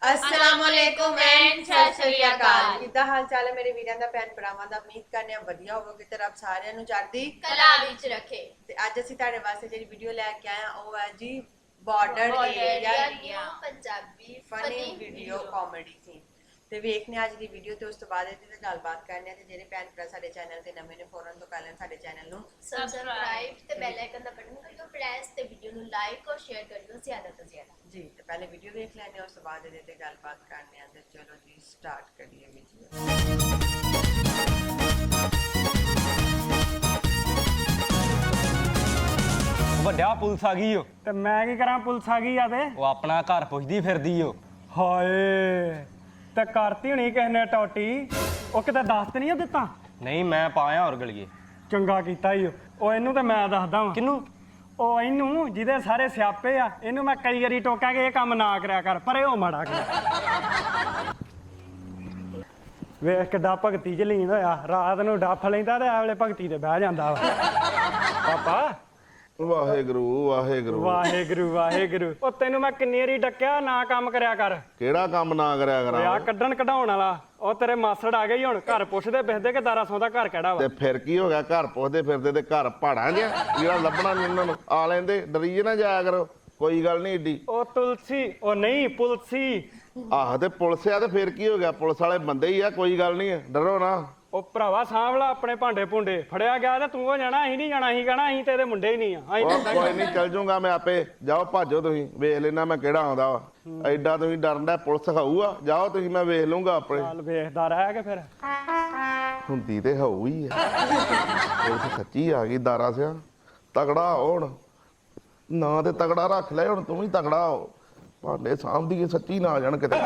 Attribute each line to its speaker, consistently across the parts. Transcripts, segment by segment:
Speaker 1: अस्सलामुअलैकुम एंड सत श्री अकाल।
Speaker 2: किदा हाल चाल है मेरे वीरां दा भैन भरावां दा। उम्मीद करने वधिया होवोगे ते रब सारियां नूं चढ़दी
Speaker 1: कला विच रखे।
Speaker 2: ते अज असीं तुहाडे वास्ते जेहड़ी वीडियो लैके आए हां ओह है जी बॉर्डर एरिया
Speaker 1: दी Punjabi
Speaker 2: funny video comedy scene ते वेखने अज दी वीडियो ते उस तो बाद इहदे ते गलबात करने ते जेहड़े भैन भरा साडे चैनल ते नवे ने फौरन तो कर लेन साडे चैनल नूं
Speaker 1: सब्सक्राइब ते बेल आइकन दा बटन करियो प्रेस ते वीडियो नूं लाइक और शेयर करियो ज्यादा तो ज्यादा
Speaker 2: जी। तो पहले वीडियो देख लेने उस तो बाद इहदे ते गलबात करने ते चलो जी स्टार्ट करिए वीडियो।
Speaker 3: ਵੱਡਾ ਪੁਲਿਸ ਆ ਗਈ ਓ
Speaker 4: ਤੇ ਮੈਂ ਕੀ ਕਰਾਂ ਪੁਲਿਸ ਆ ਗਈ ਆ ਤੇ
Speaker 3: ਉਹ ਆਪਣਾ ਘਰ ਪੁੱਛਦੀ ਫਿਰਦੀ ਓ
Speaker 4: ਹਾਏ ਤੇ ਕਰਤੀ ਹੋਣੀ ਕਿਸੇ ਨੇ ਟੋਟੀ ਉਹ ਕਿਤੇ ਦੱਸ ਤੇ ਨਹੀਂ ਦਿੱਤਾ
Speaker 3: ਨਹੀਂ ਮੈਂ ਪਾਇਆ ਹੋਰ ਗਲੀਏ
Speaker 4: ਚੰਗਾ ਕੀਤਾ ਈ ਉਹ ਇਹਨੂੰ ਤੇ ਮੈਂ ਦੱਸਦਾ ਵਾਂ
Speaker 3: ਕਿਨੂੰ
Speaker 4: ਉਹ ਇਹਨੂੰ ਜਿਹਦੇ ਸਾਰੇ ਸਿਆਪੇ ਆ ਇਹਨੂੰ ਮੈਂ ਕਈ ਵਾਰੀ ਟੋਕਿਆ ਕਿ ਇਹ ਕੰਮ ਨਾ ਕਰਿਆ ਕਰ ਪਰ ਇਹ ਉਹ ਮਾੜਾ ਕਰ ਵੇਖ ਕਿੱਡਾ ਭਗਤੀ ਚ ਲੀਨ ਹੋਇਆ ਰਾਤ ਨੂੰ ਡੱਫ ਲੈਂਦਾ ਤੇ ਆਵਲੇ ਭਗਤੀ ਤੇ ਬਹਿ ਜਾਂਦਾ ਵਾ ਪਾਪਾ
Speaker 5: ਵਾਹਿਗੁਰੂ ਵਾਹਿਗੁਰੂ
Speaker 4: ਵਾਹਿਗੁਰੂ ਵਾਹਿਗੁਰੂ ਉਹ ਤੈਨੂੰ ਮੈਂ ਕਿੰਨੀ ਵਾਰੀ ਡੱਕਿਆ ਨਾ ਕੰਮ ਕਰਿਆ ਕਰ
Speaker 5: ਕਿਹੜਾ ਕੰਮ ਨਾ ਕਰਿਆ
Speaker 4: ਆ
Speaker 5: ਕਰਾਂ
Speaker 4: ਕੱਢਣ ਕਢਾਉਣ ਵਾਲਾ ਉਹ ਤੇਰੇ ਮਾਸੜ ਆ ਗਏ ਹੁਣ ਘਰ ਪੁੱਛਦੇ ਬਿਸਦੇ ਕਿ ਦਾਰਾ ਸੌਦਾ ਘਰ ਕਿਹੜਾ ਵਾ
Speaker 5: ਤੇ ਫਿਰ ਕੀ ਹੋ ਗਿਆ ਘਰ ਪੁੱਛਦੇ ਫਿਰਦੇ ਤੇ ਘਰ ਪਹਾੜਾਂ ਜਿਹਾ ਜਿਹੜਾ ਲੱਭਣਾ ਨੀ ਉਹਨਾਂ ਨੂੰ ਆ ਲੈਂਦੇ ਡਰੀਏ ਨਾ ਜਾਇਆ ਕਰੋ ਕੋਈ ਗੱਲ ਨਹੀਂ ਏਡੀ
Speaker 4: ਉਹ ਤੁਲਸੀ ਉਹ ਨਹੀਂ ਪੁਲਸੀ
Speaker 5: ਆਹ ਤੇ ਪੁਲਿਸ ਆ ਤੇ ਫਿਰ ਕੀ ਹੋ ਗਿਆ ਪੁਲਿਸ ਵਾਲੇ ਬੰਦੇ ਹੀ ਆ ਕੋਈ ਗੱਲ ਨਹੀਂ ਡਰੋ ਨਾ
Speaker 4: ਉਹ ਭਰਾਵਾ ਸਾਂਭਲਾ ਆਪਣੇ ਭਾਂਡੇ ਭੁੰਡੇ ਫੜਿਆ ਗਿਆ ਤੇ ਤੂੰ ਉਹ ਜਾਣਾ ਅਸੀਂ ਨਹੀਂ ਜਾਣਾ ਅਸੀਂ ਕਹਿਣਾ ਅਸੀਂ ਤੇ ਇਹਦੇ ਮੁੰਡੇ ਹੀ ਨਹੀਂ ਆ ਅਸੀਂ
Speaker 5: ਉਹ ਕੋਈ ਨਹੀਂ ਚੱਲ ਜੂਗਾ ਮੈਂ ਆਪੇ ਜਾਓ ਭਾਜੋ ਤੁਸੀਂ ਵੇਖ ਲੈਣਾ ਮੈਂ ਕਿਹੜਾ ਆਉਂਦਾ ਵਾ ਐਡਾ ਤੁਸੀਂ ਡਰਦਾ ਪੁਲਿਸ ਖਾਊਗਾ ਜਾਓ ਤੁਸੀਂ ਮੈਂ ਵੇਖ ਲੂੰਗਾ ਆਪਣੇ
Speaker 4: ਚੱਲ ਵੇਖਦਾ ਰਹਿ ਕੇ ਫਿਰ
Speaker 5: ਹੁੰਦੀ ਤੇ ਹੋਊ ਹੀ ਆ ਪੁਲਿਸ ਸੱਚੀ ਆ ਗਈ ਦਾਰਾ ਸਿਆ ਤਗੜਾ ਹੋਣ ਨਾ ਤੇ ਤਗੜਾ ਰੱਖ ਲੈ ਹੁਣ ਤੂੰ ਵੀ ਤਗੜਾ ਹੋ ਭਾਂਡੇ ਸਾਂਭਦੀ ਸੱਚੀ ਨਾ ਆ ਜਾਣ ਕਿਤੇ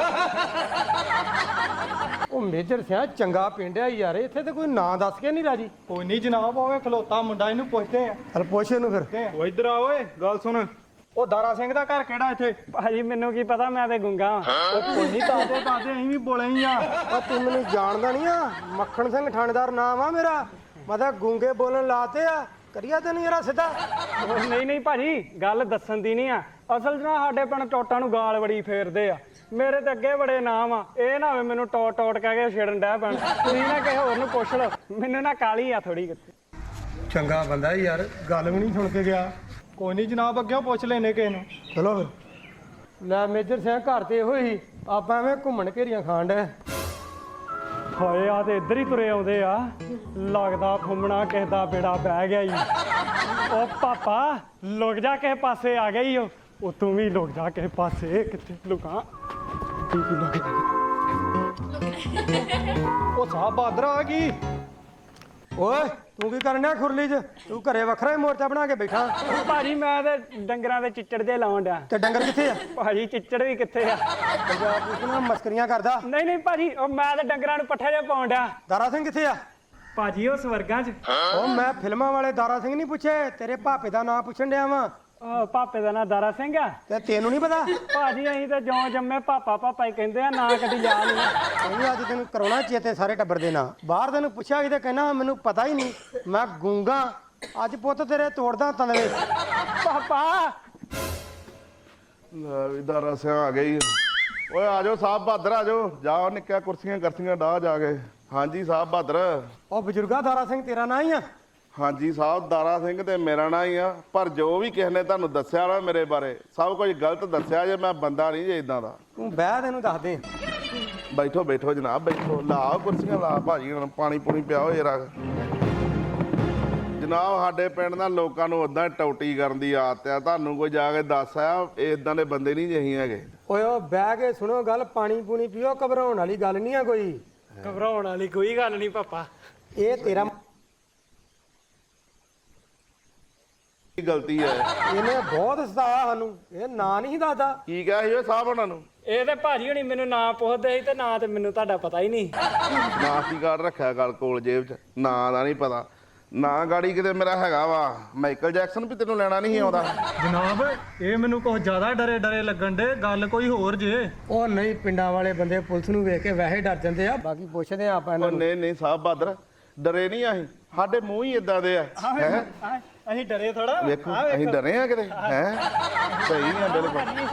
Speaker 6: ਉਹ ਮੇਜਰ ਸਿਆ ਚੰਗਾ ਪਿੰਡ ਆ ਯਾਰ ਇੱਥੇ ਤੇ ਕੋਈ ਨਾਂ ਦੱਸ ਕੇ ਨਹੀਂ ਰਾਜੀ
Speaker 4: ਕੋਈ ਨਹੀਂ ਜਨਾਬ ਹੋਵੇ ਖਲੋਤਾ ਮੁੰਡਾ ਇਹਨੂੰ ਪੁੱਛਦੇ ਆ
Speaker 6: ਚਲ ਪੁੱਛ ਇਹਨੂੰ ਫਿਰ
Speaker 4: ਉਹ ਇੱਧਰ ਆ ਓਏ ਗੱਲ ਸੁਣ ਉਹ ਦਾਰਾ ਸਿੰਘ ਦਾ ਘਰ ਕਿਹੜਾ ਇੱਥੇ ਭਾਜੀ ਮੈਨੂੰ ਕੀ ਪਤਾ ਮੈਂ ਤੇ ਗੁੰਗਾ ਉਹ ਕੋਈ ਨਹੀਂ ਦੱਸਦੇ ਅਸੀਂ ਵੀ ਬੋਲੇ ਹੀ ਆ
Speaker 6: ਉਹ ਤੂੰ ਮੈਨੂੰ ਜਾਣਦਾ ਨਹੀਂ ਆ ਮੱਖਣ ਸਿੰਘ ਥਾਣੇਦਾਰ ਨਾਮ ਆ ਮੇਰਾ ਮੈਂ ਤਾਂ ਗੁੰਗੇ ਬੋਲਣ ਲਾਤੇ ਆ ਕਰੀਆ ਤੈਨੂੰ ਯਾਰਾ ਸਿੱਧਾ
Speaker 4: ਉਹ ਨਹੀਂ ਨਹੀਂ ਭਾਜੀ ਗੱਲ ਦੱਸਣ ਦੀ ਨਹੀਂ ਆ ਅਸਲ 'ਚ ਨਾ ਸਾਡੇ ਪਿੰਡ ਟੋਟਾਂ ਨੂੰ ਗਾਲ ਬੜੀ ਫੇਰਦੇ ਆ ਮੇਰੇ ਤੇ ਅੱਗੇ ਬੜੇ ਨਾਮ ਆ ਇਹ ਨਾ ਹੋਵੇ ਮੈਨੂੰ ਟੋਟ ਟੋਟ ਕਹਿ ਕੇ ਛੇੜਨ ਡੈ ਪੈਣ ਤੁਸੀਂ ਨਾ ਕਿਸੇ ਹੋਰ ਨੂੰ ਪੁੱਛ ਲਓ ਮੈਨੂੰ ਨਾ ਕਾਲੀ ਆ ਥੋੜੀ
Speaker 6: ਚੰਗਾ ਬੰਦਾ ਯਾਰ ਗੱਲ ਵੀ ਨਹੀਂ ਸੁਣ ਕੇ ਗਿਆ
Speaker 4: ਕੋਈ ਨਹੀਂ ਜਨਾਬ ਅੱਗੇ ਪੁੱਛ ਲੈਨੇ ਕਿਸੇ ਨੂੰ
Speaker 6: ਚਲੋ ਫਿਰ ਲੈ ਮੇਜਰ ਸਿਆ ਘਰ ਤੇ ਇਹੋ ਹੀ ਆਪਾਂ ਐਵੇਂ ਘੁੰਮਣ ਘੇਰੀਆਂ ਖਾਣ ਡੈ
Speaker 4: ਹਾਏ ਆ ਤੇ ਇੱਧਰ ਹੀ ਤੁਰੇ ਆਉਂਦੇ ਆ ਲੱਗਦਾ ਫੁੰਮਣਾ ਕਿਸੇ ਦਾ ਬੇੜਾ ਬਹਿ ਗਿਆ ਈ ਉਹ ਪਾਪਾ ਲੁਕ ਜਾ ਕਿਸੇ ਪਾਸੇ ਆ ਗਈ ਉਹ ਤੂੰ ਵੀ ਲੁਕ ਜਾ ਕਿਸੇ ਪਾਸੇ ਕਿੱਥੇ ਲੁਕਾਂ ਕੀ ਲੁਕ ਜਾ
Speaker 6: ਉਹ ਸਾਹ ਬਹਾਦਰ ਆ ਗਈ ਓਏ ਤੂੰ ਕੀ ਕਰਨਿਆ ਖੁਰਲੀ 'ਚ ਤੂੰ ਘਰੇ ਵੱਖਰਾ ਹੀ ਮੋਰਚਾ ਬਣਾ ਕੇ ਬੈਠਾ
Speaker 4: ਭਾਜੀ ਮੈਂ ਤੇ ਡੰਗਰਾਂ ਦੇ ਚਿੱਚੜ ਜੇ ਲਾਉਣ ਡਿਆ
Speaker 6: ਤੇ ਡੰਗਰ ਕਿੱਥੇ ਆ
Speaker 4: ਭਾਜੀ ਚਿੱਚੜ ਵੀ ਕਿੱਥੇ ਆ
Speaker 6: ਪੰਜਾਬ ਪੁਲਿਸ ਨਾਲ ਮਸਕਰੀਆਂ ਕਰਦਾ
Speaker 4: ਨਹੀਂ ਨਹੀਂ ਭਾਜੀ ਉਹ ਮੈਂ ਤੇ ਡੰਗਰਾਂ ਨੂੰ ਪੱਠੇ ਜੇ ਪਾਉਣ ਡਿਆ
Speaker 6: ਦਾਰਾ ਸਿੰਘ ਕਿੱਥੇ ਆ
Speaker 4: ਭਾਜੀ ਉਹ ਸਵਰਗਾਂ 'ਚ
Speaker 6: ਉਹ ਮੈਂ ਫਿਲਮਾਂ ਵਾਲੇ ਦਾਰਾ ਸਿੰਘ ਨਹੀਂ ਪੁੱਛੇ ਤੇਰੇ ਭਾਪੇ ਦਾ ਨਾਂ ਪੁੱਛਣ ਡਿਆ ਵਾਂ
Speaker 4: ਉਹ ਪਾਪੇ ਦਾ ਨਾਂ ਦਾਰਾ ਸਿੰਘ ਆ
Speaker 6: ਤੇ ਤੈਨੂੰ ਨਹੀਂ ਪਤਾ
Speaker 4: ਭਾਜੀ ਅਸੀਂ ਤੇ ਜਿਉਂ ਜੰਮੇ ਪਾਪਾ ਪਾਪਾ ਹੀ ਕਹਿੰਦੇ ਆ ਨਾ ਕਦੀ ਯਾਦ ਨਹੀਂ
Speaker 6: ਉਹਨੇ ਅੱਜ ਤੈਨੂੰ ਕਰਾਉਣਾ ਚੇਤੇ ਸਾਰੇ ਟੱਬਰ ਦੇ ਨਾਂ ਬਾਹਰ ਤੈਨੂੰ ਪੁੱਛਿਆ ਕਿਤੇ ਕਹਿਣਾ ਮੈਨੂੰ ਪਤਾ ਹੀ ਨਹੀਂ ਮੈਂ ਗੂੰਗਾ ਅੱਜ ਪੁੱਤ ਤੇਰੇ ਤੋੜਦਾ ਤਨਵੇ
Speaker 4: ਪਾਪਾ
Speaker 5: ਲੈ ਵੀ ਦਾਰਾ ਸਿਆ ਆ ਗਈ ਓਏ ਆ ਜਾਓ ਸਾਹਿਬ ਬਹਾਦਰ ਆ ਜਾਓ ਜਾਓ ਨਿੱਕਿਆ ਕੁਰਸੀਆਂ ਕਰਸੀਆਂ ਡਾਹ ਜਾ ਕੇ ਹਾਂਜੀ ਸਾਹਿਬ ਬਹਾਦਰ
Speaker 6: ਉਹ ਬਜ਼ੁਰਗਾ ਦਾਰਾ ਸਿੰਘ ਤੇਰਾ ਨਾਂ ਹੀ ਆ
Speaker 5: ਹਾਂਜੀ ਸਾਹਿਬ ਦਾਰਾ ਸਿੰਘ ਤੇ ਮੇਰਾ ਨਾਂ ਹੀ ਆ ਪਰ ਜੋ ਵੀ ਕਿਸੇ ਨੇ ਤੁਹਾਨੂੰ ਦੱਸਿਆ ਨਾ ਮੇਰੇ ਬਾਰੇ ਸਭ ਕੁਝ ਗਲਤ ਦੱਸਿਆ ਜੇ ਮੈਂ ਬੰਦਾ ਨਹੀਂ ਜੇ ਇਦਾਂ ਦਾ
Speaker 6: ਤੂੰ ਬਹਿ ਤੈਨੂੰ ਦੱਸ ਦੇ
Speaker 5: ਬੈਠੋ ਬੈਠੋ ਜਨਾਬ ਬੈਠੋ ਲਾ ਕੁਰਸੀਆਂ ਲਾ ਭਾਜੀ ਹੁਣ ਪਾਣੀ ਪੂਣੀ ਪਿਆਓ ਜਰਾ ਜਨਾਬ ਸਾਡੇ ਪਿੰਡ ਦਾ ਲੋਕਾਂ ਨੂੰ ਉਦਾਂ ਟੌਟੀ ਕਰਨ ਦੀ ਆਦਤ ਆ ਤੁਹਾਨੂੰ ਕੋਈ ਜਾ ਕੇ ਦੱਸ ਆ ਇਦਾਂ ਦੇ ਬੰਦੇ ਨਹੀਂ ਜਿਹੀ ਹੈਗੇ
Speaker 6: ਓਏ ਉਹ ਬਹਿ ਕੇ ਸੁਣੋ ਗੱਲ ਪਾਣੀ ਪੂਣੀ ਪੀਓ ਘਬਰਾਉਣ ਵਾਲੀ ਗੱਲ ਨਹੀਂ ਆ ਕੋਈ
Speaker 4: ਘਬਰਾਉਣ ਵਾਲੀ ਕੋਈ ਗੱਲ ਨਹੀਂ ਪਾਪਾ
Speaker 6: ਇਹ ਤੇਰਾ
Speaker 5: ਗਲਤੀ ਹੈ
Speaker 6: ਇਹਨੇ ਬਹੁਤ ਸਤਾਇਆ ਸਾਨੂੰ ਇਹ ਨਾਂ ਨਹੀਂ ਦੱਸਦਾ
Speaker 5: ਕੀ ਕਿਹਾ ਸੀ ਓਏ ਸਾਹਿਬ ਉਹਨਾਂ ਨੂੰ
Speaker 4: ਇਹ ਤੇ ਭਾਜੀ ਹੁਣੀ ਮੈਨੂੰ ਨਾਂ ਪੁੱਛਦੇ ਸੀ ਤੇ ਨਾਂ ਤੇ ਮੈਨੂੰ ਤੁਹਾਡਾ ਪਤਾ ਹੀ ਨਹੀਂ
Speaker 5: ਨਾਸੀ ਕਾਰਡ ਰੱਖਿਆ ਗੱਲ ਕੋਲ ਜੇਬ 'ਚ ਨਾਂ ਦਾ ਨਹੀਂ ਪਤਾ ਨਾਂ ਗਾੜੀ ਕਿਤੇ ਮੇਰਾ ਹੈਗਾ ਵਾ ਮਾਈਕਲ ਜੈਕਸਨ ਵੀ ਤੈਨੂੰ ਲੈਣਾ ਨਹੀਂ ਆਉਂਦਾ
Speaker 4: ਜਨਾਬ ਇਹ ਮੈਨੂੰ ਕੁਝ ਜ਼ਿਆਦਾ ਡਰੇ ਲੱਗਣ ਦੇ ਗੱਲ ਕੋਈ ਹੋਰ ਜੇ
Speaker 6: ਉਹ ਨਹੀਂ ਪਿੰਡਾਂ ਵਾਲੇ ਬੰਦੇ ਪੁਲਿਸ ਨੂੰ ਵੇਖ ਕੇ ਵੈਸੇ ਡਰ ਜਾਂਦੇ ਆ ਬਾਕੀ ਪੁੱਛਦੇ ਆ ਆਪਾਂ ਇਹਨਾਂ
Speaker 5: ਉਹ
Speaker 6: ਨੂੰ
Speaker 5: ਨਹੀਂ ਨਹੀਂ ਸਾਹਿਬ ਬਹਾਦਰ ਡਰੇ ਨਹੀਂ ਅਸੀਂ ਸਾਡੇ ਮੂੰਹ ਹੀ ਇਦਾਂ ਦੇ ਆ ਹੈਂ?
Speaker 4: ਅਸੀਂ ਡਰੇ ਥੋੜਾ
Speaker 5: ਵੇਖੋ ਅਸੀਂ ਡਰੇ ਆ ਕਿਤੇ ਹੈ ਸਹੀ ਆ ਬਿਲਕੁਲ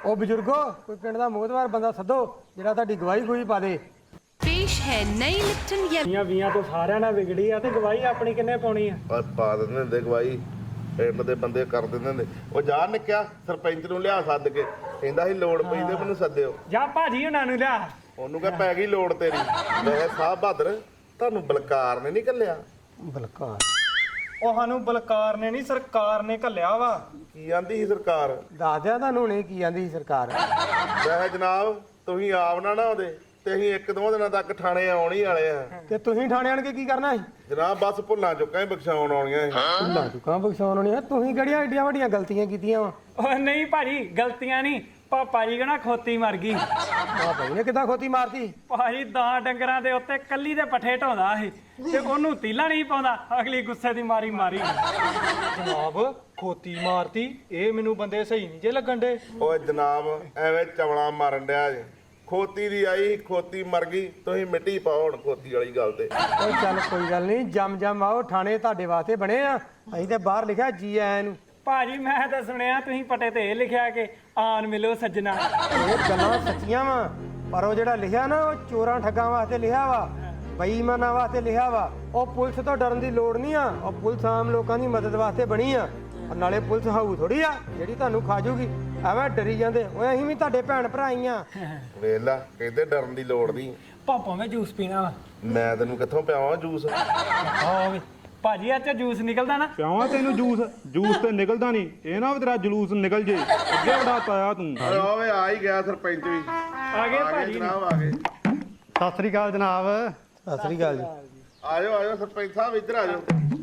Speaker 6: ਉਹ ਬਜ਼ੁਰਗੋ ਕੋਈ ਪਿੰਡ ਦਾ ਮੋਹਤਵਾਰ ਬੰਦਾ ਸੱਦੋ ਜਿਹੜਾ ਤੁਹਾਡੀ ਗਵਾਹੀ ਕੋਈ ਪਾ ਦੇ।
Speaker 7: पेश है नई लिप्टन या
Speaker 4: ਵੀਆਂ ਵੀਆਂ ਤੋਂ ਸਾਰਿਆਂ ਨਾਲ ਵਿਗੜੀ ਆ ਤੇ ਗਵਾਹੀ ਆਪਣੀ ਕਿੰਨੇ ਪਾਉਣੀ ਆ?
Speaker 5: ਬਸ ਪਾ ਦਿੰਦੇ ਹੁੰਦੇ ਗਵਾਹੀ, ਪਿੰਡ ਦੇ ਬੰਦੇ ਕਰ ਦਿੰਦੇ ਹੁੰਦੇ। ਉਹ ਜਾ ਨਿੱਕਿਆ ਸਰਪੰਚ ਨੂੰ ਲਿਆ ਸੱਦ ਕੇ, ਕਹਿੰਦਾ ਸੀ ਲੋੜ ਪਈ ਤੇ ਮੈਨੂੰ ਸੱਦਿਓ।
Speaker 4: ਜਾ ਭਾਜੀ ਉਹਨਾਂ ਨੂੰ ਲਿਆ।
Speaker 5: ਉਹਨੂੰ ਕਹ ਪੈ ਗਈ ਲੋੜ ਤੇਰੀ। ਮੈਂ ਸਾਹਿਬ ਬਹਾਦਰ ਤੁਹਾਨੂੰ ਬਲਕਾਰ ਨੇ ਨਹੀਂ ਕੱਲਿਆ।
Speaker 6: ਬਲਕਾਰ
Speaker 4: ਉਹ ਸਾਨੂੰ ਬਲਕਾਰ ਨੇ ਨਹੀਂ ਸਰਕਾਰ ਨੇ ਘੱਲਿਆ ਵਾ।
Speaker 5: ਕੀ ਆਂਦੀ ਸੀ ਸਰਕਾਰ?
Speaker 6: ਦੱਸ ਦਿਆਂ ਤੁਹਾਨੂੰ ਹੁਣੇ ਕੀ ਆਂਦੀ ਸੀ ਸਰਕਾਰ।
Speaker 5: ਮੈਂ ਜਨਾਬ ਤੁਸੀਂ ਆਪ ਨਾ ਆਉਂਦੇ ਤੇ ਅਸੀਂ 1-2 ਦਿਨਾਂ ਤੱਕ ਥਾਣੇ ਆਉਣ ਹੀ ਵਾਲੇ ਆ।
Speaker 6: ਤੇ ਤੁਸੀਂ ਥਾਣੇ ਆਣ ਕੇ ਕੀ ਕਰਨਾ ਸੀ?
Speaker 5: ਜਨਾਬ ਬਸ ਭੁੱਲਾਂ ਚੁੱਕਾਂ ਹੀ ਬਖਸ਼ਾਉਣ ਆਉਣੀਆਂ ਸੀ।
Speaker 6: ਭੁੱਲਾਂ ਚੁੱਕਾਂ ਬਖਸ਼ਾਉਣ ਹੋਣੀ ਆ। ਤੁਸੀਂ ਕਿਹੜੀਆਂ ਏਡੀਆਂ ਵੱਡੀਆਂ ਗਲਤੀਆਂ ਕੀਤੀਆਂ ਵਾ?
Speaker 4: ਉਹ ਨਹੀਂ ਭਾਜੀ ਗਲਤੀਆਂ ਨਹੀਂ, ਪਾਪਾ ਜੀ ਕਹਣਾ ਖੋਤੀ ਮਰ ਗਈ।
Speaker 6: ਆ ਭਾਈ ਨੇ ਕਿੱਦਾਂ ਖੋਤੀ ਮਾਰਤੀ?
Speaker 4: ਭਾਜੀ 10 ਡੰਗਰਾਂ ਦੇ ਉੱਤੇ ਕੱਲੀ ਦੇ ਪੱਠੇ ਢਾਉਂਦਾ ਸੀ ਤੇ ਉਹਨੂੰ ਤੀਲਾ ਨਹੀਂ ਪਾਉਂਦਾ, ਅਗਲੀ ਗੁੱਸੇ ਦੀ ਮਾਰੀ ਜਨਾਬ ਖੋਤੀ ਮਾਰਤੀ, ਇਹ ਮੈਨੂੰ ਬੰਦੇ ਸਹੀ ਨਹੀਂ ਜੇ ਲੱਗਣ ਦੇ।
Speaker 5: ਓਏ ਜਨਾਬ ਐਵੇਂ ਚਵਲਾ ਮਾਰਨ ਡਿਆ ਜੇ। ਖੋਤੀ ਦੀ ਆਈ ਖੋਤੀ ਮਰ ਗਈ, ਤੁਸੀਂ ਮਿੱਟੀ ਪਾਓ ਹੁਣ ਖੋਤੀ ਵਾਲੀ ਗੱਲ ਤੇ।
Speaker 6: ਓ ਚੱਲ ਕੋਈ ਗੱਲ ਨਹੀਂ, ਜਮ ਆਓ, ਥਾਣੇ ਤੁਹਾਡੇ ਵਾਸਤੇ ਬਣੇ ਆ। ਅਸੀਂ ਤੇ ਬਾਹਰ ਲਿਖਿਆ ਜੀ ਆਇਆਂ ਨੂੰ।
Speaker 4: ਭਾਜੀ ਮੈਂ ਤਾਂ ਸੁਣਿਆ ਤੁਸੀਂ ਪੱਟੇ ਤੇ ਇਹ ਲਿਖਿਆ ਕਿ ਆਨ ਮਿਲੋ ਸੱਜਣਾ।
Speaker 6: ਇਹ ਗੱਲਾਂ ਸੱਚੀਆਂ ਵਾ, ਪਰ ਉਹ ਜਿਹੜਾ ਲਿਖਿਆ ਨਾ ਉਹ ਚੋਰਾਂ ਠੱਗਾਂ ਵਾਸਤੇ ਲਿਖਿਆ ਵਾ, ਬੇਈਮਾਨਾਂ ਵਾਸਤੇ ਲਿਖਿਆ ਵਾ। ਉਹ ਪੁਲਿਸ ਤੋਂ ਡਰਨ ਦੀ ਲੋੜ ਨਹੀਂ ਆ। ਉਹ ਪੁਲਿਸ ਆਮ ਲੋਕਾਂ ਦੀ ਮਦਦ ਵਾਸਤੇ ਬਣੀ ਆ। ਔਰ ਨਾਲੇ ਪੁਲਿਸ ਹਾਊ ਥੋੜੀ ਆ ਜਿਹੜੀ ਤੁਹਾਨੂੰ ਖਾ ਜੂਗੀ। ਐਵੇਂ ਡਰੀ ਜਾਂਦੇ। ਓਏ ਅਸੀਂ ਵੀ ਤੁਹਾਡੇ ਭੈਣ ਭਰਾ ਹੀ ਆ।
Speaker 5: ਵੇਖ ਲਾ ਕਹਿੰਦੇ ਡਰਨ ਦੀ ਲੋੜ ਨਹੀਂ।
Speaker 4: ਪਾਪਾ ਮੈਂ ਜੂਸ ਪੀਣਾ ਵਾ।
Speaker 5: ਮੈਂ ਤੈਨੂੰ ਕਿੱਥੋਂ ਪਿਆਵਾਂ ਜੂਸ?
Speaker 4: ਆਹ ਵੇ ਭਾਜੀ ਅੱਜ ਜੂਸ ਨਿਕਲਦਾ ਨਾ।
Speaker 3: ਪਿਆਵਾਂ ਤੈਨੂੰ ਜੂਸ? ਜੂਸ ਤੇ ਨਿਕਲਦਾ ਨਹੀਂ, ਇਹ ਨਾ ਵੀ ਤੇਰਾ ਜਲੂਸ ਨਿਕਲ ਜੇ। ਅੱਗੇ ਵੜਾ ਤਾਇਆ ਤੂੰ।
Speaker 5: ਓਏ ਆ ਹੀ ਗਿਆ ਸਰਪੰਚ ਵੀ।
Speaker 4: ਆ ਗਏ ਭਾਜੀ
Speaker 5: ਜਨਾਬ ਆ ਗਏ।
Speaker 6: ਸਤਿ ਸ੍ਰੀ ਅਕਾਲ ਜਨਾਬ। ਸਤਿ ਸ੍ਰੀ ਅਕਾਲ ਜੀ।
Speaker 5: ਆਜੋ ਸਰਪੰਚ ਸਾਹਿਬ ਇੱਧਰ ਆਜੋ।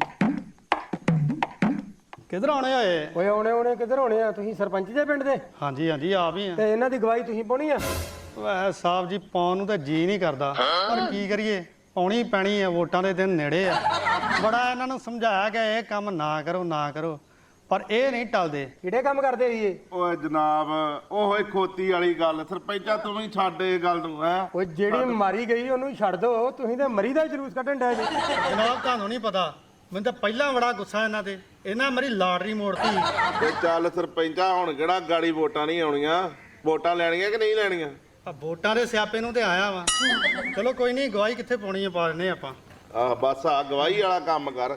Speaker 8: ਕਿੱਧਰ ਆਉਣੇ ਹੋਏ?
Speaker 6: ਓਏ ਆਉਣੇ ਕਿੱਧਰ ਹੋਣੇ ਆ? ਤੁਸੀਂ ਸਰਪੰਚ ਦੇ ਪਿੰਡ ਦੇ?
Speaker 8: ਹਾਂਜੀ ਹਾਂਜੀ ਆਪ ਹੀ ਆ।
Speaker 6: ਤੇ ਇਹਨਾਂ ਦੀ ਗਵਾਹੀ ਤੁਸੀਂ ਪਾਉਣੀ ਆ?
Speaker 8: ਵੈਸੇ ਸਾਹਿਬ ਜੀ ਪਾਉਣ ਨੂੰ ਤਾਂ ਜੀ ਨਹੀਂ ਕਰਦਾ, ਪਰ ਕੀ ਕਰੀਏ, ਪਾਉਣੀ ਪੈਣੀ ਆ। ਵੋਟਾਂ ਦੇ ਦਿਨ ਨੇੜੇ ਆ। ਬੜਾ ਇਹਨਾਂ ਨੂੰ ਸਮਝਾਇਆ ਕਿ ਇਹ ਕੰਮ ਨਾ ਕਰੋ, ਪਰ ਇਹ ਨਹੀਂ ਟਲਦੇ।
Speaker 6: ਕਿਹੜੇ ਕੰਮ ਕਰਦੇ ਸੀ ਇਹ?
Speaker 5: ਓਏ ਜਨਾਬ ਓਏ ਖੋਤੀ ਵਾਲੀ ਗੱਲ। ਸਰਪੰਚਾ ਤੂੰ ਵੀ ਛੱਡ ਇਹ ਗੱਲ ਨੂੰ। ਹੈ
Speaker 6: ਓਏ ਜਿਹੜੀ ਮਾਰੀ ਗਈ ਉਹਨੂੰ ਛੱਡ ਦਿਓ। ਤੁਸੀਂ ਤੇ ਮਰੀ ਦਾ ਜਲੂਸ ਕੱਢਣ ਡਏ ਜੀ।
Speaker 8: ਜਨਾਬ ਤੁਹਾਨੂੰ ਨਹੀਂ ਪਤਾ, ਮੈਨੂੰ ਤਾਂ ਪਹਿਲਾਂ ਬੜਾ ਗੁੱਸਾ ਇਹਨਾਂ ਤੇ। ਇਹਨਾਂ ਮੇਰੀ ਲਾਟਰੀ ਮੋੜਤੀ।
Speaker 5: ਤੇ ਚੱਲ ਸਰਪੰਚਾ ਹੁਣ ਕਿਹੜਾ ਗਾੜੀ ਵੋਟਾਂ ਨਹੀਂ ਆਉਣੀਆਂ? ਵੋਟਾਂ ਲੈਣੀਆਂ ਕਿ ਨਹੀਂ ਲੈਣੀਆਂ?
Speaker 8: ਆ ਵੋਟਾਂ ਦੇ ਸਿਆਪੇ ਨੂੰ ਤੇ ਆਇਆ ਵਾ। ਚਲੋ ਕੋਈ ਨਹੀਂ, ਗਵਾਹੀ ਕਿੱਥੇ ਪਾਉਣੀ ਆ, ਪਾ ਦਿੰਦੇ ਆਪਾਂ।
Speaker 5: ਆ ਬਸ ਆ ਗਵਾਹੀ ਵਾਲਾ ਕੰਮ ਕਰ।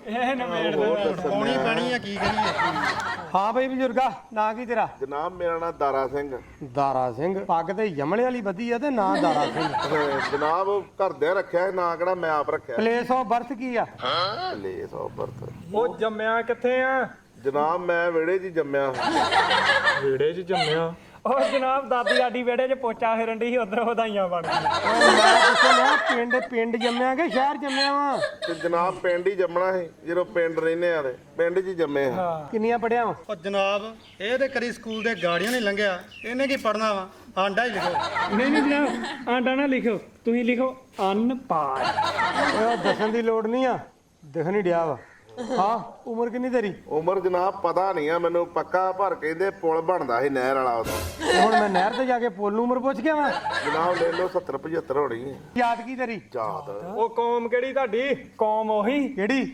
Speaker 8: ਪਾਉਣੀ ਪੈਣੀ ਆ, ਕੀ ਕਰੀਏ।
Speaker 6: ਹਾਂ ਬਈ ਬਜ਼ੁਰਗਾ, ਨਾਂ ਕੀ ਤੇਰਾ?
Speaker 5: ਜਨਾਬ ਮੇਰਾ ਨਾਮ ਦਾਰਾ ਸਿੰਘ।
Speaker 6: ਦਾਰਾ ਸਿੰਘ? ਪੱਗ ਤੇ ਯਮਲੇ ਵਾਲੀ ਬੱਧੀ ਆ ਤੇ ਨਾਂ ਦਾਰਾ ਸਿੰਘ।
Speaker 5: ਜਨਾਬ ਘਰਦਿਆਂ ਰੱਖਿਆ ਨਾਂ ਕਿਹੜਾ ਮੈਂ ਆਪ ਰੱਖਿਆ।
Speaker 6: ਪਲੇਸ ਆਫ ਬਰਥ ਕੀ ਆ?
Speaker 5: ਲੈ ਸੌ ਬਰਤ।
Speaker 4: ਉਹ ਜੰਮਿਆ ਕਿੱਥੇ ਆ?
Speaker 5: ਜਨਾਬ ਮੈਂ ਵਿਹੜੇ 'ਚ ਹੀ ਜੰਮਿਆ।
Speaker 4: ਵਿਹੜੇ 'ਚ ਜੰਮਿਆ? ਉਹ ਜਨਾਬ ਦਾਦੀ ਸਾਡੀ ਵਿਹੜੇ 'ਚ ਪੋਚਾ ਫੇਰਨ ਦੀ ਸੀ, ਉਧਰ ਵਧਾਈਆਂ ਬਣ ਗਈਆਂ।
Speaker 6: ਮੈਂ ਪੁੱਛਿਆ ਪਿੰਡ ਜੰਮਿਆ ਕਿ ਸ਼ਹਿਰ ਜੰਮਿਆ ਵਾ?
Speaker 5: ਤੇ ਜਨਾਬ ਪਿੰਡ ਹੀ ਜੰਮਣਾ ਸੀ। ਜਦੋਂ ਪਿੰਡ ਰਹਿੰਦੇ ਆ ਤੇ ਪਿੰਡ 'ਚ ਹੀ ਜੰਮੇ ਆ।
Speaker 6: ਕਿੰਨੀਆਂ ਪੜਿਆ ਵਾ?
Speaker 8: ਉਹ ਜਨਾਬ ਇਹ ਤੇ ਕਰੀ ਸਕੂਲ ਦੇ ਗਾੜੀਆਂ ਨਹੀਂ ਲੰਘਿਆ, ਇਹਨੇ ਕੀ ਪੜਨਾ ਵਾ? ਆਂਡਾ ਹੀ ਲਿਖੋ।
Speaker 4: ਨਹੀਂ ਜਨਾਬ ਆਂਡਾ ਨਾ ਲਿਖੋ, ਤੁਸੀਂ ਲਿਖੋ ਅਨਪਾੜ।
Speaker 6: ਉਹ ਦੱਸਣ ਦੀ ਲੋੜ ਨਹੀਂ ਆ, ਦਿਖ ਨਹੀਂ ਡਿਆ ਵਾ। ਹਾਂ ਉਮਰ ਕਿੰਨੀ ਤੇਰੀ?
Speaker 5: ਉਮਰ ਜਨਾਬ ਪਤਾ ਨਹੀਂ ਆ ਮੈਨੂੰ ਪੱਕਾ, ਪਰ ਕਹਿੰਦੇ ਪੁਲ ਬਣਦਾ ਸੀ ਨਹਿਰ ਵਾਲਾ ਉਦੋਂ।
Speaker 6: ਹੁਣ ਮੈਂ ਨਹਿਰ ਤੇ ਜਾ ਕੇ ਪੁੱਲ ਨੂੰ ਉਮਰ ਪੁੱਛ ਗਿਆ ਵਾ।
Speaker 5: ਜਨਾਬ ਲੈ ਲਓ 70-75 ਹੋਣੀ ਹੈ।
Speaker 6: ਯਾਦ ਕੀ ਤੇਰੀ?
Speaker 5: ਯਾਦ
Speaker 4: ਉਹ ਕੌਮ ਕਿਹੜੀ ਤੁਹਾਡੀ? ਕੌਮ ਉਹੀ
Speaker 6: ਕਿਹੜੀ?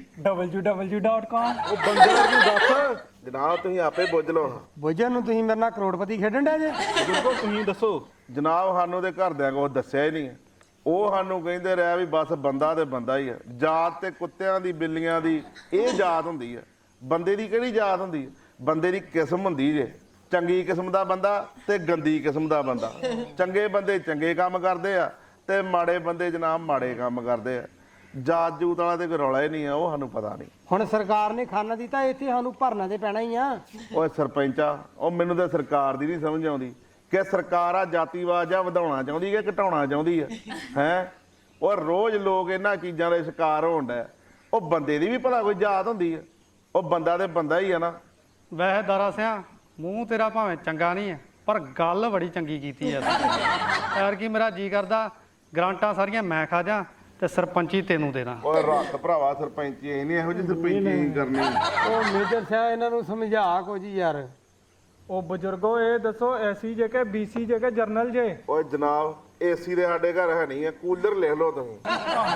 Speaker 4: www.com।
Speaker 5: ਉਹ ਬੰਦੇ ਨੂੰ ਦੱਸ। ਜਨਾਬ ਤੁਸੀਂ ਆਪੇ ਬੁੱਝ ਲਓ।
Speaker 6: ਬੁੱਝਣ ਨੂੰ ਤੁਸੀਂ ਮੇਰੇ ਨਾਲ ਕਰੋੜਪਤੀ ਖੇਡਣ ਡਿਆ ਜੇ।
Speaker 5: ਬਿਲਕੁਲ ਤੁਸੀਂ ਦੱਸੋ। ਜਨਾਬ ਸਾਨੂੰ ਦੇ ਘਰਦਿਆਂ ਕੋਲ ਦੱਸਿਆ ਹੀ ਨਹੀਂ। ਉਹ ਸਾਨੂੰ ਕਹਿੰਦੇ ਰਿਹਾ ਵੀ ਬਸ ਬੰਦਾ ਤੇ ਬੰਦਾ ਹੀ ਆ। ਜਾਤ ਤੇ ਕੁੱਤਿਆਂ ਦੀ ਬਿੱਲੀਆਂ ਦੀ ਇਹ ਜਾਤ ਹੁੰਦੀ ਆ। ਬੰਦੇ ਦੀ ਕਿਹੜੀ ਜਾਤ ਹੁੰਦੀ ਆ? ਬੰਦੇ ਦੀ ਕਿਸਮ ਹੁੰਦੀ ਜੇ। ਚੰਗੀ ਕਿਸਮ ਦਾ ਬੰਦਾ ਤੇ ਗੰਦੀ ਕਿਸਮ ਦਾ ਬੰਦਾ। ਚੰਗੇ ਬੰਦੇ ਚੰਗੇ ਕੰਮ ਕਰਦੇ ਆ ਤੇ ਮਾੜੇ ਬੰਦੇ ਜਨਾਬ ਮਾੜੇ ਕੰਮ ਕਰਦੇ ਆ। ਜਾਤ ਜੂਤ ਵਾਲਾ ਤੇ ਕੋਈ ਰੌਲਾ ਹੀ ਨਹੀਂ ਆ, ਉਹ ਸਾਨੂੰ ਪਤਾ ਨਹੀਂ।
Speaker 6: ਹੁਣ ਸਰਕਾਰ ਨੇ ਖਾਨਾ ਦਿੱਤਾ, ਇੱਥੇ ਸਾਨੂੰ ਭਰਨਾ ਤੇ ਪੈਣਾ ਹੀ ਆ।
Speaker 5: ਓਏ ਸਰਪੰਚਾ ਉਹ ਮੈਨੂੰ ਤਾਂ ਸਰਕਾਰ ਦੀ ਨਹੀਂ ਸਮਝ ਆਉਂਦੀ ਕਿ ਸਰਕਾਰ ਆ ਜਾਤੀਵਾਦ ਜਾਂ ਵਧਾਉਣਾ ਚਾਹੁੰਦੀ ਕਿ ਘਟਾਉਣਾ ਚਾਹੁੰਦੀ ਹੈ। ਉਹ ਰੋਜ਼ ਲੋਕ ਇਹਨਾਂ ਚੀਜ਼ਾਂ ਦੇ ਸ਼ਿਕਾਰ ਹੋਣ ਡੈ। ਉਹ ਬੰਦੇ ਦੀ ਵੀ ਭਲਾ ਕੋਈ ਜਾਤ ਹੁੰਦੀ ਹੈ? ਉਹ ਬੰਦਾ ਤੇ ਬੰਦਾ ਹੀ ਆ ਨਾ।
Speaker 8: ਵੈਸੇ ਦਾਰਾ ਸਿਆ ਮੂੰਹ ਤੇਰਾ ਭਾਵੇਂ ਚੰਗਾ ਨਹੀਂ ਹੈ, ਪਰ ਗੱਲ ਬੜੀ ਚੰਗੀ ਕੀਤੀ ਐ। ਯਾਰ ਕੀ ਮੇਰਾ ਜੀ ਕਰਦਾ ਗਰਾਂਟਾਂ ਸਾਰੀਆਂ ਮੈਂ ਖਾ ਜਾ ਤੇ ਸਰਪੰਚੀ ਤੈਨੂੰ ਦੇ ਦਾਂ।
Speaker 5: ਓਏ ਰੱਖ ਭਰਾਵਾ ਸਰਪੰਚੀ ਇਹ ਨਹੀਂ ਇਹੋ ਜਿਹੀ ਸਰਪੰਚੀ ਕਰਨੀ।
Speaker 6: ਉਹ ਮੇਜਰ ਸਾਹਿਬ ਇਹਨਾਂ ਨੂੰ ਸਮਝਾ ਕੁਝ ਯਾਰ।
Speaker 4: ਉਹ ਬਜ਼ੁਰਗੋ ਇਹ ਦੱਸੋ ਐਸੀ ਜੇ ਕਿ ਬੀਸੀ ਜੇ ਕਿ ਜਰਨਲ ਜੇ?
Speaker 5: ਓਏ ਜਨਾਬ ਏਸੀ ਦੇ ਸਾਡੇ ਘਰ ਹੈ ਨਹੀਂ ਹੈ, ਕੂਲਰ ਲਿਖ ਲਓ ਤੁਸੀਂ।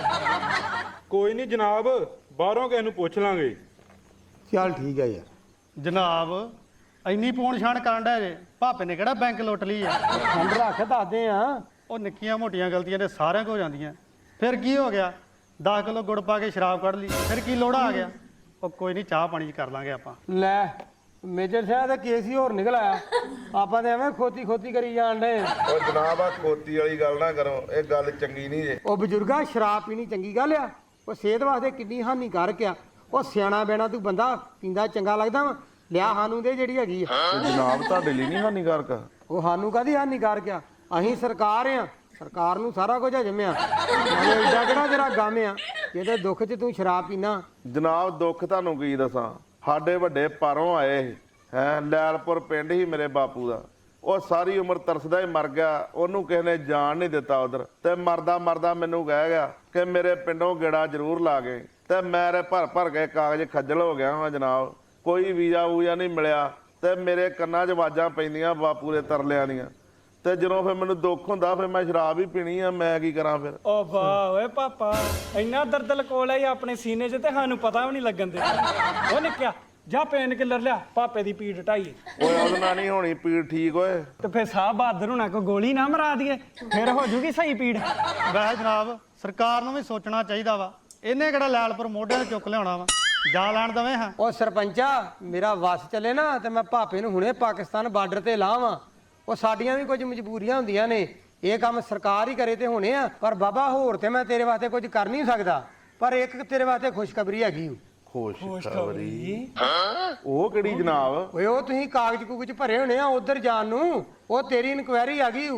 Speaker 3: ਕੋਈ ਨਹੀਂ ਜਨਾਬ, ਬਾਹਰੋਂ ਕਿਸੇ ਨੂੰ ਪੁੱਛ ਲਾਂਗੇ।
Speaker 6: ਚੱਲ ਠੀਕ ਹੈ ਯਾਰ।
Speaker 8: ਜਨਾਬ ਇੰਨੀ ਪੂਣ ਛਾਣ ਕਰਨ ਡਿਆ ਜੇ ਭਾਪੇ ਨੇ ਕਿਹੜਾ ਬੈਂਕ ਲੁੱਟ ਲਈ ਆ
Speaker 6: ਠੰਡ ਰੱਖ ਦੱਸਦੇ ਆ।
Speaker 8: ਉਹ ਨਿੱਕੀਆਂ ਮੋਟੀਆਂ ਗਲਤੀਆਂ ਤੇ ਸਾਰਿਆਂ ਕੋਲ ਜਾਂਦੀਆਂ ਫਿਰ ਕੀ ਹੋ ਗਿਆ 10 ਕਿਲੋ ਗੁੜ ਪਾ ਕੇ ਸ਼ਰਾਬ ਕੱਢ ਲਈ ਫਿਰ ਕੀ ਲੋੜਾ ਆ ਗਿਆ ਉਹ ਕੋਈ ਨਹੀਂ ਚਾਹ ਪਾਣੀ ਚ ਕਰ ਲਾਂਗੇ ਆਪਾਂ
Speaker 6: ਲੈ ਮੇਜਰ ਸਾਹਿਬ ਦਾ ਕੇਸ ਹੀ ਹੋਰ ਨਿਕਲ ਆਇਆ। ਆਪਾਂ ਤੇ ਐਵੇਂ ਖੋਤੀ ਕਰੀ ਜਾਣ ਡੇ।
Speaker 5: ਉਹ ਜਨਾਬ ਆ ਖੋਤੀ ਵਾਲੀ ਗੱਲ ਨਾ ਕਰੋ, ਇਹ ਗੱਲ ਚੰਗੀ ਨਹੀਂ ਜੇ।
Speaker 6: ਉਹ ਬਜ਼ੁਰਗਾ ਸ਼ਰਾਬ ਪੀਣੀ ਚੰਗੀ ਗੱਲ ਆ? ਉਹ ਸਿਹਤ ਵਾਸਤੇ ਕਿੰਨੀ ਹਾਨੀਕਾਰਕ ਆ। ਉਹ ਸਿਆਣਾ ਬੈਣਾ ਤੂੰ ਬੰਦਾ ਪੀਂਦਾ ਚੰਗਾ ਲੱਗਦਾ ਵਾ? ਲਿਆ ਸਾਨੂੰ ਦੇ ਜਿਹੜੀ ਹੈਗੀ ਆ।
Speaker 5: ਤੇ ਜਨਾਬ ਤੁਹਾਡੇ ਲਈ ਨਹੀਂ ਹਾਨੀਕਾਰਕ?
Speaker 6: ਉਹ ਸਾਨੂੰ ਕਾਹਦੀ ਹਾਨੀਕਾਰਕ ਆ? ਅਸੀਂ ਸਰਕਾਰ ਆ, ਸਰਕਾਰ ਨੂੰ ਸਾਰਾ ਕੁਝ ਹਜਮਿਆ। ਐਡਾ ਕਿਹੜਾ ਤੇਰਾ ਗਮ ਆ ਜਿਹਦੇ ਦੁੱਖ 'ਚ ਤੂੰ ਸ਼ਰਾਬ ਪੀਣਾ?
Speaker 5: ਜਨਾਬ ਦੁੱਖ ਤੁਹਾਨੂੰ ਕੀ ਦੱਸਾਂ, ਸਾਡੇ ਵੱਡੇ ਪਾਰੋਂ ਆਏ ਹੈ ਲੈਲਪੁਰ ਪਿੰਡ ਹੀ ਮੇਰੇ ਬਾਪੂ ਦਾ। ਉਹ ਸਾਰੀ ਉਮਰ ਤਰਸਦਾ ਹੀ ਮਰ ਗਿਆ, ਉਹਨੂੰ ਕਿਸੇ ਨੇ ਜਾਣ ਨਹੀਂ ਦਿੱਤਾ ਉਧਰ। ਤੇ ਮਰਦਾ ਮੈਨੂੰ ਕਹਿ ਗਿਆ ਕਿ ਮੇਰੇ ਪਿੰਡੋਂ ਗੇੜਾ ਜ਼ਰੂਰ ਲਾ ਗਏ। ਤੇ ਮੇਰੇ ਭਰ ਕੇ ਕਾਗਜ਼ ਖੱਜਲ ਹੋ ਗਿਆ ਹਾਂ ਜਨਾਬ, ਕੋਈ ਵੀਜ਼ਾ ਵੂਜ਼ਾ ਨਹੀਂ ਮਿਲਿਆ। ਤੇ ਮੇਰੇ ਕੰਨਾਂ 'ਚ ਆਵਾਜ਼ਾਂ ਪੈਂਦੀਆਂ ਬਾਪੂ ਦੇ ਤਰਲਿਆਂ ਦੀਆਂ। ਤੇ ਜਦੋਂ ਫਿਰ ਮੈਨੂੰ ਦੁੱਖ ਹੁੰਦਾ ਫਿਰ ਮੈਂ ਸ਼ਰਾਬ ਹੀ ਪੀਣੀ ਆ, ਮੈਂ ਕੀ ਕਰਾਂ ਫਿਰ?
Speaker 4: ਓ ਵਾਹ ਓਏ ਪਾਪਾ, ਇੰਨਾ ਦਰਦ ਲਕੋਲਾ ਹੀ ਆਪਣੇ ਸੀਨੇ 'ਚ ਤੇ ਸਾਨੂੰ ਪਤਾ ਵੀ ਨਹੀਂ ਲੱਗਣ ਦੇ। ਉਹ ਨਿੱਕਿਆ ਜਾ ਪੇਨ ਕਿਲਰ ਲਿਆ, ਪਾਪੇ ਦੀ ਪੀੜ ਢਾਈਏ।
Speaker 5: ਓਏ ਉਹਦੇ ਨਾਲ ਨਹੀਂ ਹੋਣੀ ਪੀੜ ਠੀਕ ਓਏ।
Speaker 4: ਤੇ ਫਿਰ ਸਾਹ ਬਹਾਦਰ ਹੋਣਾ ਕੋ ਗੋਲੀ ਨਾ ਮਰਾ ਦਈਏ, ਫਿਰ ਹੋ ਜੂਗੀ ਸਹੀ ਪੀੜ।
Speaker 8: ਵੈਸੇ ਜਨਾਬ ਸਰਕਾਰ ਨੂੰ ਵੀ ਸੋਚਣਾ ਚਾਹੀਦਾ ਵਾ, ਇਹਨੇ ਕਿਹੜਾ ਲੈਲਪੁਰ ਮੋਢਿਆਂ ਤੇ ਚੁੱਕ ਲਿਆਉਣਾ ਵਾ, ਜਾ ਲੈਣ ਦਵੇਂ ਹਾਂ।
Speaker 6: ਉਹ ਸਰਪੰਚਾ ਮੇਰਾ ਵਸ ਚੱਲੇ ਨਾ ਤੇ ਮੈਂ ਭਾਪੇ ਨੂੰ ਹੁਣੇ ਪਾਕਿਸਤਾਨ ਬਾਰਡਰ ਤੇ ਲਾਵਾਂ। ਉਹ ਸਾਡੀਆਂ ਵੀ ਕੁਝ ਮਜਬੂਰੀਆਂ ਹੁੰਦੀਆਂ ਨੇ, ਇਹ ਕੰਮ ਸਰਕਾਰ ਹੀ ਕਰੇ ਤੇ ਹੋਣੇ ਆ। ਪਰ ਬਾਬਾ ਹੋਰ ਤੇ ਮੈਂ ਤੇਰੇ ਵਾਸਤੇ ਕੁਝ ਕਰ ਨਹੀਂ ਸਕਦਾ, ਪਰ ਇੱਕ ਤੇਰੇ ਵਾਸਤੇ ਖੁਸ਼ਖਬਰੀ ਹੈਗੀ ਓ।
Speaker 5: ਖੁਸ਼ਖਬਰੀ? ਉਹ ਕਿਹੜੀ ਜਨਾਬ?
Speaker 6: ਓਏ ਉਹ ਤੁਸੀਂ ਕਾਗਜ਼ ਕੁਗਜ਼ ਭਰੇ ਹੋਣੇ ਆ ਉਧਰ ਜਾਣ ਨੂੰ, ਉਹ ਤੇਰੀ ਇਨਕੁਆਇਰੀ ਆ ਗਈ ਓ।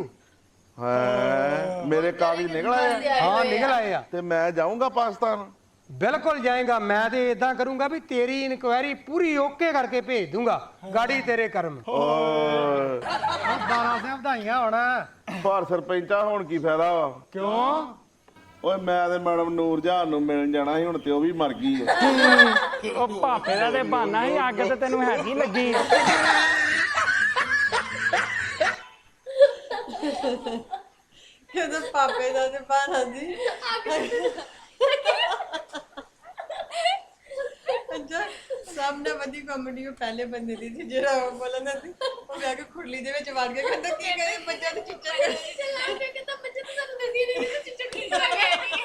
Speaker 5: ਹੈ ਮੇਰੇ ਕਾਗਜ਼ ਨਿਕਲ ਆਏ?
Speaker 6: ਹਾਂ ਨਿਕਲ ਆਏ ਆ।
Speaker 5: ਤੇ ਮੈਂ ਜਾਊਂਗਾ ਪਾਕਿਸਤਾਨ?
Speaker 6: ਬਿਲਕੁਲ ਜਾਏਗਾ। ਮੈਂ ਤੇ ਇਦਾਂ ਕਰੂੰਗਾ ਵੀ ਤੇਰੀ ਇਨਕੁਆਇਰੀ ਪੂਰੀ ਓਕੇ ਕਰਕੇ ਭੇਜ ਦੂੰਗਾ, ਗਾੜੀ ਤੇਰੇ ਕਰਮ।
Speaker 5: ਓਏ
Speaker 8: ਦਾਰਾ ਸਿੰਘ ਵਧਾਈਆਂ ਹੋਣ।
Speaker 5: ਪਰ ਸਰਪੰਚਾ ਹੁਣ ਕੀ ਫਾਇਦਾ ਵਾ?
Speaker 6: ਕਿਉਂ?
Speaker 5: ਓਏ ਮੈਂ ਤੇ ਮੈਡਮ ਨੂਰਜਹਾਨ ਨੂੰ ਮਿਲਣ ਜਾਣਾ ਸੀ, ਹੁਣ ਤੇ ਉਹ ਵੀ ਮਰ ਗਈ ਹੈ।
Speaker 4: ਉਹ ਪਾਪੇ ਦਾ ਤੇ ਬਹਾਨਾ ਹੀ, ਅੱਗ ਤੇ ਤੈਨੂੰ ਹੈਗੀ ਲੱਗੀ।
Speaker 2: ਇਹਦਾ ਪਾਪੇ ਦਾ ਤੇ ਬਾਣਾ ਦੀ ਅੱਛਾ ਸਾਹਮਣੇ ਬੰਦੀ ਕਾਮੇਡੀ ਉਹ ਪਹਿਲੇ ਬੰਦੇ ਦੀ ਸੀ ਜਿਹੜਾ ਉਹ ਬੋਲਦਾ ਸੀ, ਉਹ ਬਹਿ ਕੇ ਖੁਰਲੀ ਦੇ ਵਿੱਚ ਵੜ ਕੇ ਕਹਿੰਦਾ ਕੀ ਕਰੇ ਬੱਚਾ ਤੇ ਚਿੱਚਾ ਕਰੇ
Speaker 1: ਚਲਾ ਕੇ ਕਹਿੰਦਾ ਬੱਚੇ ਤਾਂ ਸਾਨੂੰ ਦੱਸੀ ਨਹੀਂ ਕਿ ਚਿੱਚੜ ਕੀ ਕਰ ਗਏ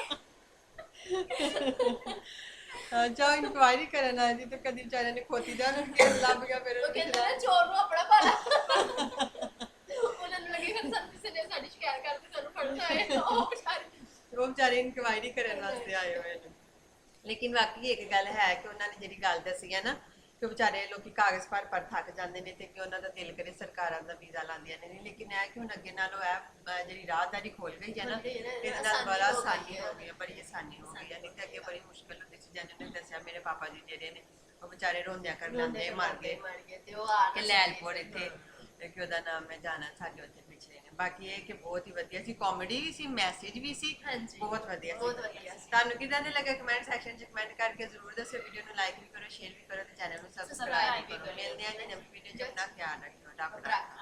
Speaker 2: ਅੱਛਾ ਇਨਕੁਆਇਰੀ ਕਰਨ ਆਈ ਸੀ ਤੇ ਕਦੀ ਵਿਚਾਰਿਆਂ ਨੇ ਖੋਤੀ ਦਾ ਨਾ ਕੇਸ ਲੱਭ ਗਿਆ ਫਿਰ
Speaker 1: ਉਹ ਕਹਿੰਦਾ ਨਾ ਚੋਰ ਨੂੰ ਆਪਣਾ ਭਾਣਾ ਉਹਨਾਂ ਨੂੰ ਲੱਗੇ ਕਿ ਸਾਨੂੰ ਕਿਸੇ ਨੇ ਸਾਡੀ ਸ਼ਿਕਾਇਤ ਕਰਕੇ ਸਾਨੂੰ ਫੜਨਾ ਹੈ।
Speaker 2: ਉਹ ਵਿਚਾਰੇ ਇਨਕੁਆਇਰੀ ਕਰਨ ਵਾਸਤੇ ਆਏ ਹੋਏ ਨੇ। ਲੇਕਿਨ ਵਾਕਈ ਇੱਕ ਗੱਲ ਹੈ ਕਿ ਉਹਨਾਂ ਨੇ ਜਿਹੜੀ ਗੱਲ ਦੱਸੀ ਹੈ ਨਾ ਕਿ ਵਿਚਾਰੇ ਲੋਕੀ ਕਾਗਜ਼ ਭਰ ਥੱਕ ਜਾਂਦੇ ਨੇ ਤੇ ਕਿ ਉਹਨਾਂ ਦਾ ਦਿਲ ਕਰੇ ਸਰਕਾਰਾਂ ਦਾ ਵੀਜ਼ਾ ਲਾਉਂਦੀਆਂ ਨੇ। ਲੇਕਿਨ ਇਹ ਕਿ ਹੁਣ ਅੱਗੇ ਨਾਲੋਂ ਇਹ ਜਿਹੜੀ ਰਾਹਦਾਰੀ ਖੋਲ ਗਈ ਹੈ ਨਾ, ਇਹਦੇ ਨਾਲ ਬੜਾ ਆਸਾਨੀ ਹੋ ਗਈ ਹੈ, ਬੜੀ ਆਸਾਨੀ ਹੋ ਗਈ ਹੈ। ਨਹੀਂ ਤਾਂ ਅੱਗੇ ਬੜੀ ਮੁਸ਼ਕਿਲ ਹੁੰਦੀ ਸੀ। ਜਿਹਨੇ ਨੇ ਦੱਸਿਆ ਮੇਰੇ ਪਾਪਾ ਜੀ ਜਿਹੜੇ ਨੇ ਉਹ ਵਿਚਾਰੇ ਰੋਂਦਿਆਂ ਕਰ ਲੈਂਦੇ ਮਰ ਗਏ
Speaker 1: ਤੇ ਉਹ ਆ
Speaker 2: ਕਿ ਲੈਲਪੁਰ ਇੱਥੇ ਕਿ ਉਹਦਾ ਨਾਮ ਹੈ ਜਾਣਾ ਸਾਡੇ ਉੱਥੇ ਪਿਛਲੇ ਨੇ। ਬਾਕੀ ਇਹ ਕਿ ਬਹੁਤ ਹੀ ਵਧੀਆ ਸੀ, ਕਾਮੇਡੀ ਵੀ ਸੀ, ਮੈਸੇਜ ਵੀ ਸੀ, ਬਹੁਤ ਵਧੀਆ ਸੀ। ਤੁਹਾਨੂੰ ਕਿਦਾਂ ਦੇ ਲੱਗਾ ਕਮੈਂਟ ਸੈਕਸ਼ਨ 'ਚ ਕਮੈਂਟ ਕਰਕੇ ਜ਼ਰੂਰ ਦੱਸਿਓ। ਵੀਡੀਓ ਨੂੰ ਲਾਈਕ ਵੀ ਕਰੋ, ਸ਼ੇਅਰ ਵੀ ਕਰੋ ਤੇ ਚੈਨਲ ਨੂੰ ਸਬਸਕ੍ਰਾਈਬ ਵੀ ਕਰੋ। ਮਿਲਦੇ ਹਾਂ ਜੀ ਨਵੀਂ ਵੀਡੀਓ 'ਚ। ਆਪਣਾ ਖਿਆਲ ਰੱਖਿਓ। ਰੱਬ ਰਾਖਾ।